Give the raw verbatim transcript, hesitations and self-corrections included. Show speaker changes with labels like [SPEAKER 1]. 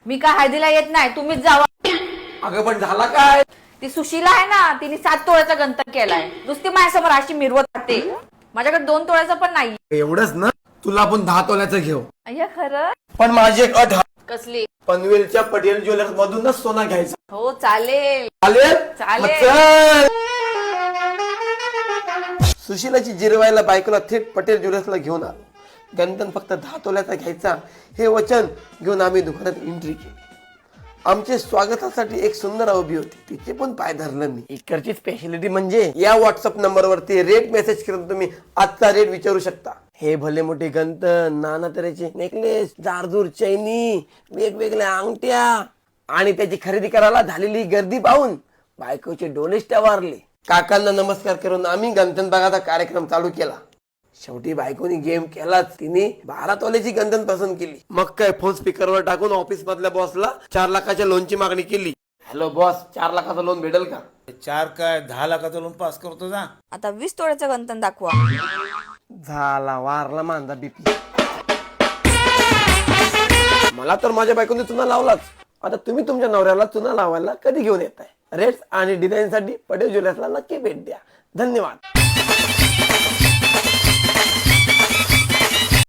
[SPEAKER 1] मी काय हळदीला येत नाही, तुम्हीच जावा.
[SPEAKER 2] अगं पण झाला काय?
[SPEAKER 1] ती सुशीला आहे ना, तिने सात तोळ्याचा गंतन केलाय. नुसती माझ्यासमोर अशी मिरवत राहते. माझ्याकडे दोन तोळ्याचा पण नाही.
[SPEAKER 2] एवढंच ना, तुला आपण दहा तोल्याचं घेऊ.
[SPEAKER 1] अय्या खरं?
[SPEAKER 2] पण माझी एक अट आहे.
[SPEAKER 1] कसली?
[SPEAKER 2] पनवेलच्या पटेल ज्वेलर्स मधूनच सोना घ्यायचा.
[SPEAKER 1] हो चालेल
[SPEAKER 2] चालेल
[SPEAKER 1] चालेल.
[SPEAKER 2] मग चल. सुशीलाची जिरवायला बायकोला थेट पटेल ज्वेलर्सला घेऊन आलो. गंधन फक्त दहा तोल्याचा घ्यायचा हे वचन घेऊन आम्ही दुकानात एंट्री केली. आमचे स्वागतासाठी एक सुंदर उभी होती, तिचे पण पाय धरलं मी. इकडची स्पेशालिटी म्हणजे या व्हॉट्सअप नंबरवरती रेट मेसेज करून तुम्ही आजचा रेट विचारू शकता. हे भले मोठे गंधन, नाना तऱ्हेचे नेकलेस, जारजूर चैनी, वेगवेगळ्या अंगठ्या आणि त्याची खरेदी करायला झालेली गर्दी पाहून बायकोचे डोलेच टवारले. काकांना नमस्कार करून आम्ही गंधन बघाचा कार्यक्रम चालू केला. शेवटी बायकोनी गेम केलाच. तिने बारा तोल्याची गंधन पसंत केली. मग काय फोन स्पीकरवर टाकून ऑफिस मधल्या बॉसला चार लाखाच्या लोनची मागणी केली. हॅलो बॉस, चार लाखाचं लोन भेटेल का?
[SPEAKER 3] चार काय दहा लाखाचा लोन पास करतो ना.
[SPEAKER 1] आता वीस तोळ्याचं गंतन दाखवा.
[SPEAKER 2] झाला वारला माझा बीपी. मला तर माझ्या बायकोने चुना लावलाच. आता तुम्ही तुमच्या नवऱ्याला चुना लावायला कधी घेऊन येताय? रेट्स आणि डिझाईन साठी पटेल ज्वेलर्सला नक्की भेट द्या. धन्यवाद.